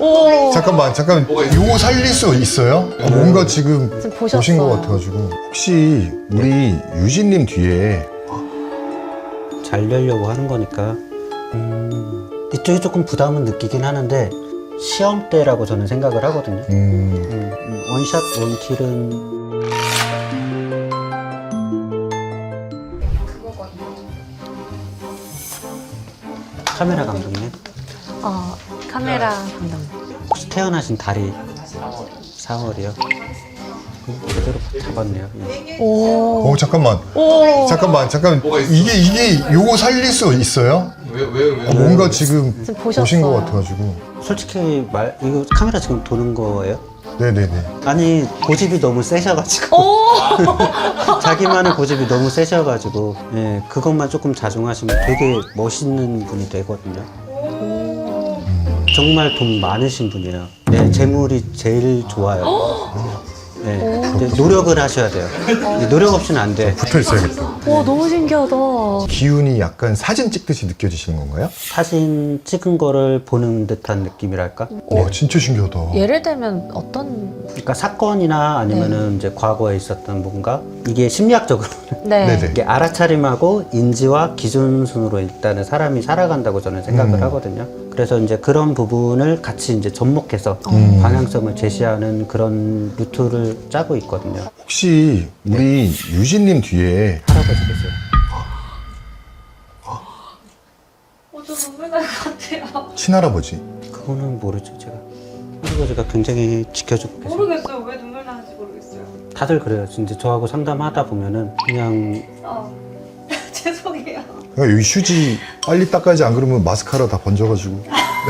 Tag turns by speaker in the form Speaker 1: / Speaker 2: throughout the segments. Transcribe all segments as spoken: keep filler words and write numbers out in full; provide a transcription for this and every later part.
Speaker 1: 오.
Speaker 2: 잠깐만 잠깐 요거 살릴 수 있어요? 아, 뭔가 지금
Speaker 1: 지금 보셨어요.
Speaker 2: 보신 것 같아가지고 혹시 우리 유진님 뒤에
Speaker 3: 잘 되려고 하는 거니까 음, 이쪽이 조금 부담은 느끼긴 하는데 시험 때라고 저는 생각을 하거든요.
Speaker 2: 음,
Speaker 3: 음, 음, 원샷 원킬은 카메라 감독님
Speaker 1: 어, 카메라 감독님.
Speaker 3: 혹시 태어나신 달이 사월이요? 제대로 잡았네요. 예.
Speaker 1: 오.
Speaker 2: 어 잠깐만
Speaker 1: 오.
Speaker 2: 잠깐만 잠깐 이게 이게 요거 살릴 수 있어요?
Speaker 4: 왜, 왜, 왜?
Speaker 2: 아, 뭔가 지금
Speaker 1: 지금 보셨어요.
Speaker 2: 보신 것 같아가지고
Speaker 3: 솔직히 말 이거 카메라 지금 도는 거예요?
Speaker 2: 네네네
Speaker 3: 아니 고집이 너무 세셔가지고
Speaker 1: 오.
Speaker 3: 자기만의 고집이 너무 세셔가지고 예 그것만 조금 자중하시면 되게 멋있는 분이 되거든요. 정말 돈 많으신 분이에요. 네, 재물이 제일 좋아요. 네, 근데 노력을 하셔야 돼요. 근데 노력 없이는 안 돼.
Speaker 2: 붙어 있어야겠다.
Speaker 1: 와, 너무 신기하다.
Speaker 2: 기운이 약간 사진 찍듯이 느껴지시는 건가요?
Speaker 3: 사진 찍은 거를 보는 듯한 느낌이랄까?
Speaker 2: 와 진짜 신기하다.
Speaker 1: 예를 들면 어떤.
Speaker 3: 그러니까 사건이나 아니면은 이제 과거에 있었던 뭔가 이게 심리학적으로
Speaker 1: 네.
Speaker 2: 네네.
Speaker 3: 이게 알아차림하고 인지와 기준순으로 일단은 사람이 살아간다고 저는 생각을
Speaker 2: 음.
Speaker 3: 하거든요. 그래서 이제 그런 부분을 같이 이제 접목해서
Speaker 2: 음.
Speaker 3: 방향성을 제시하는 그런 루트를 짜고 있거든요.
Speaker 2: 혹시 우리 유진님 뒤에
Speaker 3: 할아버지 계세요.
Speaker 5: 어, 저 눈물 날 것 같아요.
Speaker 2: 친할아버지
Speaker 3: 그거는 모르죠, 제가. 할아버지가 굉장히 지켜주고 계세요.
Speaker 5: 모르겠어요. 왜 눈물 나는지 모르겠어요.
Speaker 3: 다들 그래요. 진짜 저하고 상담하다 보면은 그냥
Speaker 5: 어. 죄송해요.
Speaker 2: 그러니까 여기 휴지 빨리 닦아야지 안 그러면 마스카라 다 번져가지고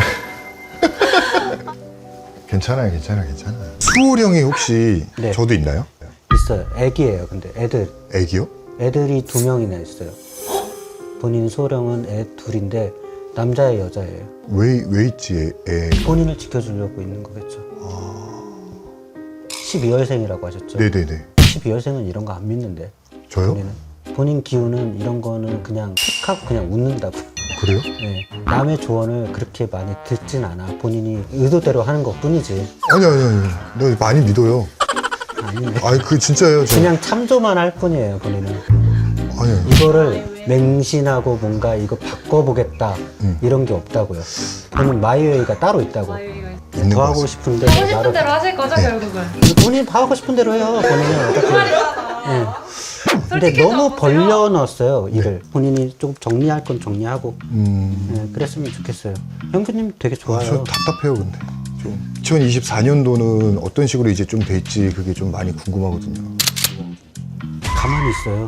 Speaker 2: 괜찮아요 괜찮아요 괜찮아요. 수호령이 혹시
Speaker 3: 네.
Speaker 2: 저도 있나요?
Speaker 3: 있어요. 애기예요. 근데 애들.
Speaker 2: 애기요?
Speaker 3: 애들이 두 명이나 있어요. 본인 소령은 애 둘인데 남자예요, 여자예요.
Speaker 2: 왜, 왜 있지 애, 애.
Speaker 3: 본인을 지켜주려고 있는 거겠죠. 십이월생이라고 하셨죠?
Speaker 2: 네네네
Speaker 3: 십이월생은 이런 거 안 믿는데.
Speaker 2: 저요?
Speaker 3: 본인은. 본인 기운은 이런 거는 그냥 툭 하고 그냥 웃는다고.
Speaker 2: 그래요?
Speaker 3: 네. 남의 조언을 그렇게 많이 듣진 않아. 본인이 의도대로 하는 것 뿐이지.
Speaker 2: 아니 아니 아니 나 많이 믿어요.
Speaker 3: 아니네.
Speaker 2: 아니 그 진짜예요 저.
Speaker 3: 그냥 참조만 할 뿐이에요, 본인은.
Speaker 2: 아니 아니
Speaker 3: 이거를 맹신하고 뭔가 이거 바꿔보겠다
Speaker 2: 음.
Speaker 3: 이런 게 없다고요. 본인 마이웨이가 따로 있다고.
Speaker 2: 있는
Speaker 3: 더
Speaker 2: 것
Speaker 3: 하고
Speaker 2: 같습니다.
Speaker 3: 싶은데
Speaker 5: 하고 싶은
Speaker 3: 나를
Speaker 5: 대로 하실 거죠,
Speaker 2: 네.
Speaker 5: 결국은?
Speaker 3: 본인 하고 싶은 대로 해요. 본인은 어떻게? 예. 근데
Speaker 5: 솔직히
Speaker 3: 너무
Speaker 5: 좀
Speaker 3: 벌려 넣었어요 일을. 본인이 조금 정리할 건 정리하고
Speaker 2: 음,
Speaker 3: 예, 그랬으면 좋겠어요. 형수님 되게 좋아요.
Speaker 2: 저 답답해요 근데 좀 이천이십사 년도는 어떤 식으로 이제 좀 될지 그게 좀 많이 궁금하거든요.
Speaker 3: 가만히 있어요.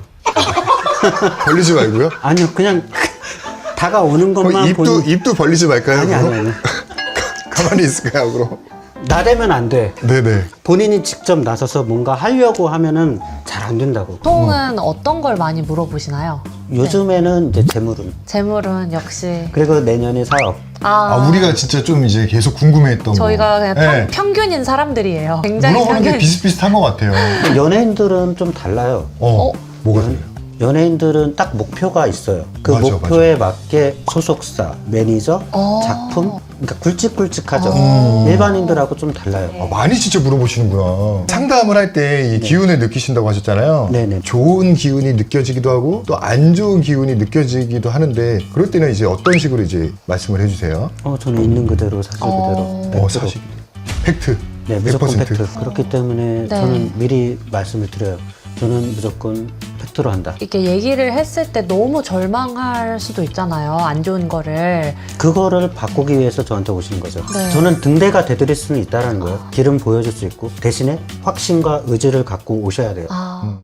Speaker 2: 벌리지 말고요.
Speaker 3: 아니요, 그냥 다가오는
Speaker 2: 그럼
Speaker 3: 것만
Speaker 2: 입도
Speaker 3: 본인.
Speaker 2: 입도 벌리지 말까요?
Speaker 3: 아니
Speaker 2: 그럼?
Speaker 3: 아니 아니.
Speaker 2: 가만히 있을까요 그럼?
Speaker 3: 나대면 안 돼.
Speaker 2: 네네.
Speaker 3: 본인이 직접 나서서 뭔가 하려고 하면은 잘 안 된다고.
Speaker 1: 보통은 어떤 걸 많이 물어보시나요?
Speaker 3: 요즘에는 이제 재물은
Speaker 1: 재물은 역시.
Speaker 3: 그리고 내년에 사업.
Speaker 1: 아,
Speaker 2: 아 우리가 진짜 좀 이제 계속 궁금해했던
Speaker 1: 저희가
Speaker 2: 거.
Speaker 1: 그냥
Speaker 2: 네.
Speaker 1: 평, 평균인 사람들이에요. 굉장히
Speaker 2: 물어보는 게
Speaker 1: 평균.
Speaker 2: 비슷비슷한 것 같아요.
Speaker 3: 연예인들은 좀 달라요.
Speaker 2: 어,
Speaker 1: 어?
Speaker 2: 뭐가 달라요?
Speaker 3: 연예인들은 딱 목표가 있어요. 그
Speaker 2: 맞아,
Speaker 3: 목표에 맞게 소속사, 매니저,
Speaker 1: 어.
Speaker 3: 작품, 그러니까 굵직굵직하죠.
Speaker 2: 어.
Speaker 3: 일반인들하고 좀 달라요.
Speaker 2: 아, 많이 진짜 물어보시는구나. 상담을 할 때 이 기운을 느끼신다고 하셨잖아요.
Speaker 3: 네네.
Speaker 2: 좋은 기운이 느껴지기도 하고 또 안 좋은 기운이 느껴지기도 하는데 그럴 때는 이제 어떤 식으로 이제 말씀을 해주세요.
Speaker 3: 어, 저는 있는 그대로 사실
Speaker 1: 어.
Speaker 3: 그대로.
Speaker 2: 어,
Speaker 3: 백 퍼센트.
Speaker 2: 사실 팩트.
Speaker 3: 네, 무조건
Speaker 2: 백 퍼센트.
Speaker 3: 팩트. 그렇기 때문에 저는 미리 말씀을 드려요. 저는 무조건 팩트로 한다.
Speaker 1: 이렇게 얘기를 했을 때 너무 절망할 수도 있잖아요. 안 좋은 거를.
Speaker 3: 그거를 바꾸기 위해서 저한테 오시는 거죠.
Speaker 1: 네.
Speaker 3: 저는 등대가 되드릴 수는 있다는 거예요. 길은 보여줄 수 있고 대신에 확신과 의지를 갖고 오셔야 돼요.
Speaker 1: 아.
Speaker 2: 음.